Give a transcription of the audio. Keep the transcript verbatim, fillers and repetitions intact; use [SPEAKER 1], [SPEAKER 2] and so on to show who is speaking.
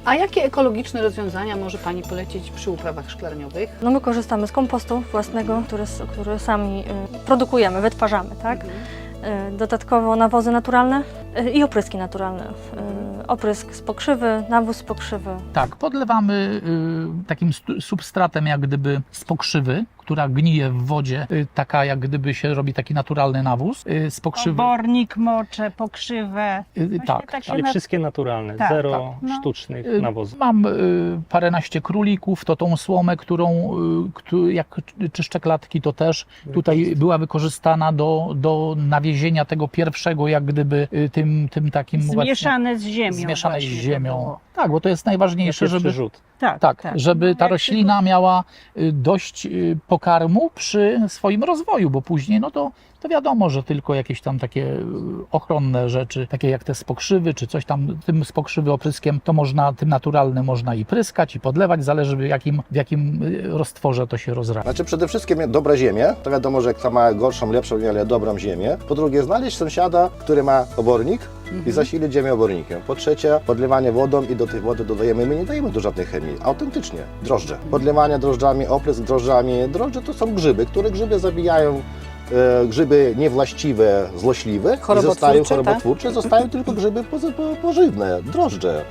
[SPEAKER 1] A jakie ekologiczne rozwiązania może Pani polecić przy uprawach szklarniowych?
[SPEAKER 2] No my korzystamy z kompostu własnego, który, który sami y, produkujemy, wytwarzamy, tak? Y, dodatkowo nawozy naturalne y, i opryski naturalne. Y, oprysk z pokrzywy, nawóz z pokrzywy.
[SPEAKER 3] Tak, podlewamy y, takim stu- substratem jak gdyby z pokrzywy, która gnije w wodzie, y, taka jak gdyby się robi taki naturalny nawóz y, z pokrzywy.
[SPEAKER 4] Obornik, mocze, pokrzywę.
[SPEAKER 3] Y,
[SPEAKER 4] Właśnie
[SPEAKER 3] tak,
[SPEAKER 4] takie
[SPEAKER 5] Czyli
[SPEAKER 4] na-
[SPEAKER 5] wszystkie naturalne,
[SPEAKER 4] Tak,
[SPEAKER 5] zero
[SPEAKER 4] tak. No.
[SPEAKER 5] sztucznych
[SPEAKER 3] Y,
[SPEAKER 5] nawozów.
[SPEAKER 3] Mam y, paręnaście królików, to tą słomę, którą y, któ- jak czyszczę klatki, to też tutaj była wykorzystana do, do nawiezienia tego pierwszego, jak gdyby y, tym, tym takim
[SPEAKER 4] Zmieszane z ziemią.
[SPEAKER 3] właśnie, zmieszane z
[SPEAKER 4] właśnie to
[SPEAKER 3] ziemią.
[SPEAKER 4] było.
[SPEAKER 3] Tak, bo to jest najważniejsze,
[SPEAKER 5] Pierwszy
[SPEAKER 3] żeby,
[SPEAKER 5] rzut.
[SPEAKER 4] Tak,
[SPEAKER 3] tak,
[SPEAKER 4] tak.
[SPEAKER 3] żeby ta
[SPEAKER 4] Jak
[SPEAKER 3] roślina miała y, dość y, pokarmu przy swoim rozwoju, bo później no to, to wiadomo, że tylko jakieś tam takie y, ochronne rzeczy, takie jak te z pokrzywy, czy coś tam, tym z pokrzywy opryskiem, to można, tym naturalnym można i pryskać, i podlewać, zależy w jakim, w jakim y, roztworze to się rozrabia.
[SPEAKER 6] Znaczy przede wszystkim dobra ziemia, to wiadomo, że kto ma gorszą, lepszą, ale dobrą ziemię. Po drugie, znaleźć sąsiada, który ma obornik i zasilić ziemię obornikiem. Po trzecie, podlewanie wodą i do tej wody dodajemy, my nie dajemy tu żadnej chemii, autentycznie, drożdże. Podlewanie drożdżami, oprysk drożdżami. Drożdże to są grzyby, które grzyby zabijają e, grzyby niewłaściwe, złośliwe i
[SPEAKER 1] Chorobotwórcze,
[SPEAKER 6] zostają
[SPEAKER 1] tak?
[SPEAKER 6] chorobotwórcze, zostają tylko grzyby pozy- po- pożywne, drożdże.